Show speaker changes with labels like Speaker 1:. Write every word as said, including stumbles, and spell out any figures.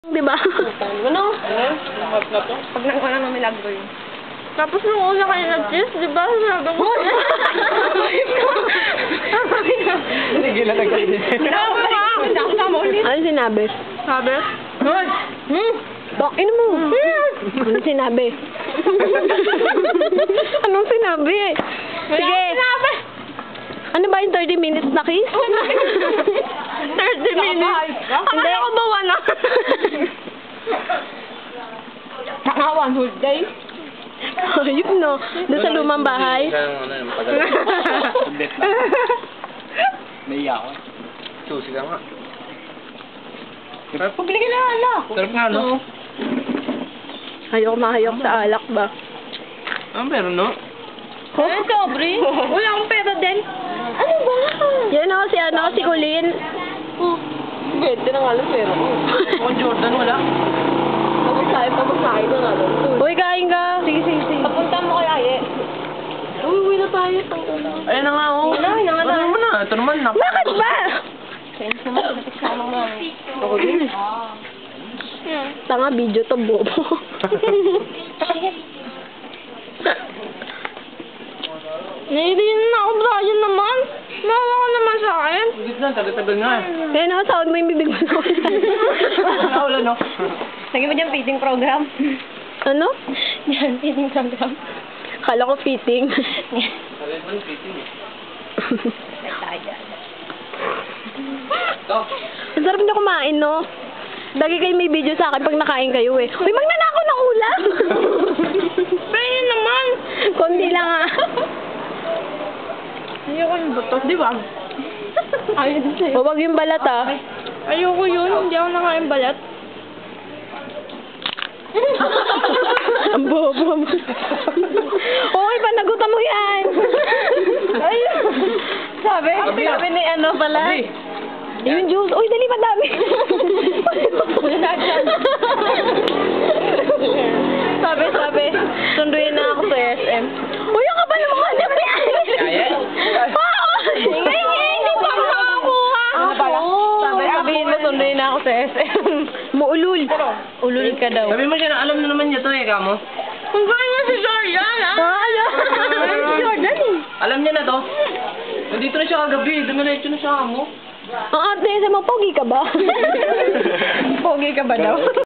Speaker 1: Diba?
Speaker 2: Ano? Pag nang ng milagro yun.
Speaker 1: Tapos nung una kayo nag-kiss, diba? Sabi ko,
Speaker 3: Sige na nag-kiss.
Speaker 1: ano sinabi?
Speaker 2: Sabi?
Speaker 1: Hoy! Hmm? Bakin mo! Ano sinabi? Anong sinabi? Sige!
Speaker 2: Sinabi!
Speaker 1: Ano ba yung thirty minutes na kiss?
Speaker 2: thirty minutes?
Speaker 1: Hindi.
Speaker 2: Akala ko ba wala? Saka one whole day?
Speaker 1: Ayun no. Doon sa lumang bahay.
Speaker 3: May iya ako. Susi ka nga.
Speaker 2: Pabili ka na ala.
Speaker 3: Sarap nga, no?
Speaker 1: Hayok na hayok sa alak ba?
Speaker 3: Ah, meron, no?
Speaker 1: Oh?
Speaker 2: Ay, sobri. Wala akong pera din. Ano ba?
Speaker 1: Yan o, si ano, si Colleen.
Speaker 2: Oh. Bente na nga lang pera ko.
Speaker 3: Ako, Jordan, wala.
Speaker 2: Tapos tayo, tapos tayo na nga lang.
Speaker 1: Uy, kain ka. Sige, sige, sige.
Speaker 2: Papunta mo kaya, Aye. Uy, uwi na tayo.
Speaker 3: Ayun na nga, oh.
Speaker 2: Ayun na, ayun na nga
Speaker 3: Ano
Speaker 2: tayo.
Speaker 3: mo na? Ito naman, nak.
Speaker 1: Bakit ba?
Speaker 2: Ako din.
Speaker 1: Tanga, video to, bobo.
Speaker 2: Naiirin na ako, Brian naman. Nawa ka naman sa akin.
Speaker 3: Hindi na, tagal-tagal nga. eh.
Speaker 1: Kaya na, sound mo yung bibig mo na.
Speaker 3: Wala, no?
Speaker 2: Lagi mo dyan feeding program.
Speaker 1: Ano?
Speaker 2: Yan, feeding program.
Speaker 1: Kala ko fitting.
Speaker 3: Ito.
Speaker 1: Ang sarap na kumain, no? Lagi kayo may video sa akin pag nakain kayo eh. Uy, magnanakaw ng ulam!
Speaker 2: Pero naman.
Speaker 1: Konti lang ah.
Speaker 2: Ayoko yung buto, di ba? Ayaw din sa'yo.
Speaker 1: O, wag yung balat ah.
Speaker 2: Ayoko yun, hindi ako nakain balat.
Speaker 1: Ang bobo mo. Okay pa, nagutan mo yan.
Speaker 2: Ayun. Sabi,
Speaker 3: Sabi,
Speaker 2: sabi ni ano pala.
Speaker 3: Sabi.
Speaker 1: Yung juice. Uy, dali, madami.
Speaker 2: Sabi, sabi, sunduin na ako sa S M.
Speaker 1: Uy, ang kapal mo nga naman.
Speaker 3: Kaya?
Speaker 1: Oo.
Speaker 2: Ingay, ingay, hindi pa ako nakakuha.
Speaker 1: Ano pala?
Speaker 2: Sabi, sabihin mo, sunduin na ako sa S M.
Speaker 1: Muulul.
Speaker 2: Ulul ka daw.
Speaker 3: Sabi mo siya na alam na naman niya to eh, kamo.
Speaker 2: Kung gano'n nga si Jordan, ah.
Speaker 1: Ah, ano?
Speaker 2: Si Jordan, eh.
Speaker 3: Alam niya na to. Nandito na siya kagabi. Dumiretso na siya, kamo.
Speaker 1: Ang ate, sa mga pogi ka ba?
Speaker 2: Pogi ka ba daw?